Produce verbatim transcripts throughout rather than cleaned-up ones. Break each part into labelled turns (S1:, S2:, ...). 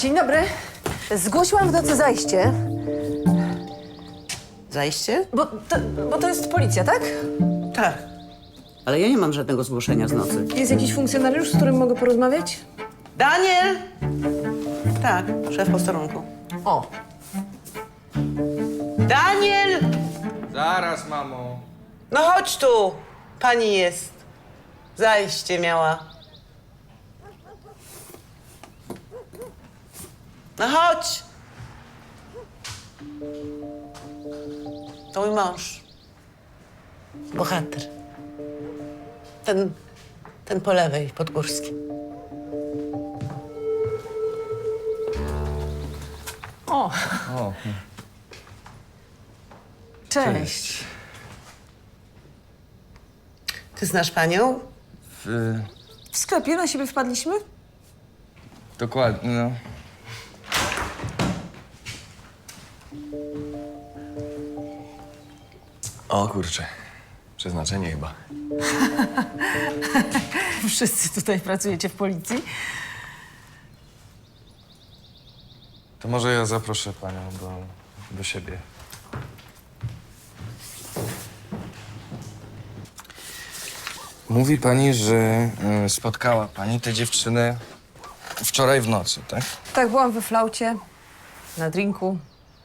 S1: Dzień dobry. Zgłosiłam w nocy zajście,
S2: Zajście?
S1: bo to, bo to jest policja, tak?
S2: Tak. Ale ja nie mam żadnego zgłoszenia z nocy.
S1: Jest jakiś funkcjonariusz, z którym mogę porozmawiać?
S2: Daniel! Tak, szef posterunku.
S1: O,
S2: Daniel!
S3: Zaraz, mamo.
S2: No chodź tu. Pani jest. Zajście miała. No chodź. To mój mąż. Bohater. Ten, ten po lewej, pod Górskim.
S1: o.
S3: O,
S1: Cześć.
S2: Ty znasz panią?
S3: w,
S1: W sklepie na siebie wpadliśmy?
S3: dokładnie, no.
S4: O kurczę, przeznaczenie chyba.
S1: Wszyscy tutaj pracujecie w policji.
S4: To może ja zaproszę panią do, do siebie. Mówi pani, że y, spotkała pani tę dziewczynę wczoraj w nocy, tak?
S1: Tak, byłam we flaucie, na drinku.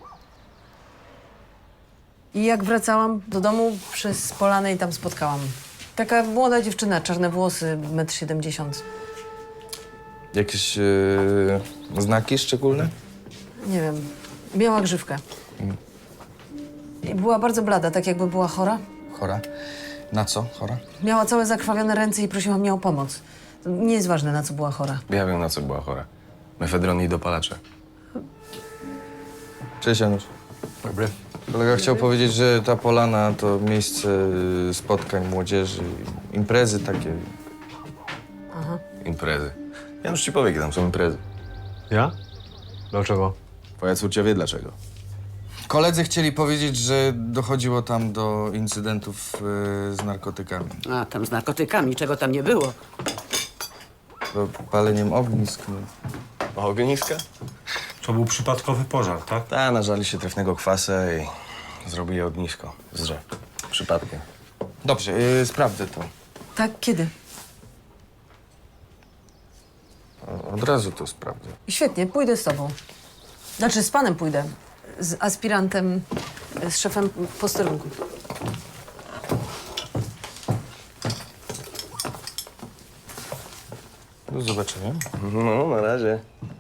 S1: I jak wracałam do domu, przez polanę i tam spotkałam. Taka młoda dziewczyna, czarne włosy, metr siedemdziesiąt.
S4: Jakieś y, znaki szczególne?
S1: Nie wiem, miała grzywkę. I była bardzo blada, tak jakby była chora.
S4: Chora? Na co chora?
S1: Miała całe zakrwawione ręce i prosiła mnie o pomoc. Nie jest ważne, na co była chora.
S4: Ja wiem, na co była chora. Mefedron i dopalacze. Cześć, Janusz. Dobry. Kolega chciał powiedzieć, że ta polana to miejsce y, spotkań młodzieży, imprezy takie.
S1: Aha.
S4: Imprezy. Janusz ci powie, jakie tam są imprezy.
S5: Ja? Dlaczego?
S4: Twoja córcia wie dlaczego. Koledzy chcieli powiedzieć, że dochodziło tam do incydentów y, z narkotykami.
S2: A, tam z narkotykami, czego tam nie było.
S4: Do paleniem ognisk. No.
S5: Ogniska?
S6: To był przypadkowy pożar, tak?
S4: Ta, nażali się trefnego kwasa i zrobili ognisko z drzew. Przypadkiem. Dobrze, y, sprawdzę to.
S1: Tak, kiedy?
S4: O, od razu to sprawdzę.
S1: Świetnie, pójdę z tobą. Znaczy, z panem pójdę. Z aspirantem, z szefem posterunku.
S4: Do zobaczenia. No, na razie.